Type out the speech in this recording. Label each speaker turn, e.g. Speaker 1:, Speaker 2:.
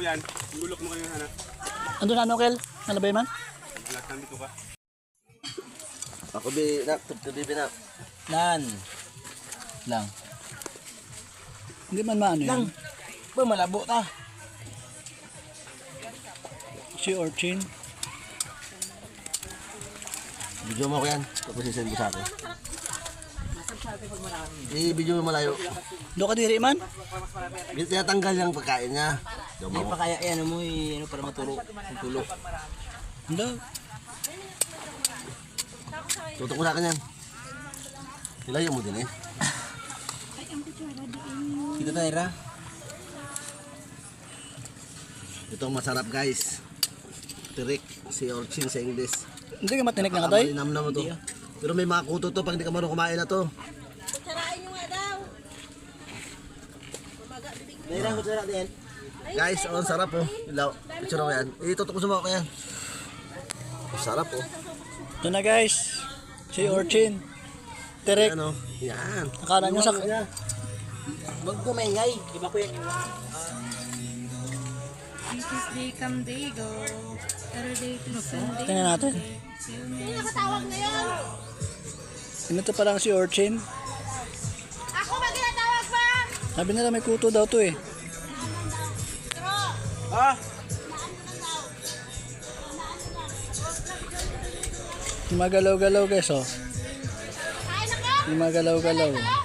Speaker 1: yan. Gulok mo kayo sana.
Speaker 2: Ando na ano, Kel? Ano ba man?
Speaker 1: Lakan dito ka.
Speaker 3: Ako binak, tubi binak.
Speaker 4: Nan. Lang.
Speaker 2: Hindi man maano yan.
Speaker 4: Lang. Ba malabo ta.
Speaker 2: Si Orchin.
Speaker 3: Video mo ko yan. Tapos isend ko sa akin. I-video mo malayo.
Speaker 2: Do ka diri man?
Speaker 3: Hindi tinatanggal yung pagkain niya.
Speaker 4: Hindi pa kaya yan mo ano para matulog. Tulog.
Speaker 2: Ando.
Speaker 3: Tutok mo sa akin yan. Nilayo mo din eh.
Speaker 4: Kita tayo ra.
Speaker 3: Ito ang masarap guys. Tirik, si Orchin sa English.
Speaker 2: Hindi ka matinik na katoy?
Speaker 3: Malinam na mo to. Pero may mga kuto to pag hindi ka marunong kumain na to.
Speaker 5: Sarain nyo nga daw.
Speaker 4: Dahil ko sara din.
Speaker 3: Guys, oh, ang sarap oh. Ilaw. Picture mo yan. Itutok mo sa mga yan. Sarap oh.
Speaker 2: Ito na guys. Si Orchin. Terek.
Speaker 3: Ano? Yan.
Speaker 2: Akala nyo sa...
Speaker 4: Wag ko maingay. Iba ko yan yung
Speaker 5: This is day come day go. Saturday to Sunday.
Speaker 2: Tingnan natin.
Speaker 5: Sino nakatawag ngayon?
Speaker 2: Ito pa lang si Orchin.
Speaker 5: Ako ba ginatawag pa?
Speaker 2: Sabi nila may kuto daw to eh.
Speaker 4: Ah!
Speaker 2: Yung magalaw-galaw guys oh.
Speaker 5: Kain na ka?
Speaker 2: Yung magalaw-galaw.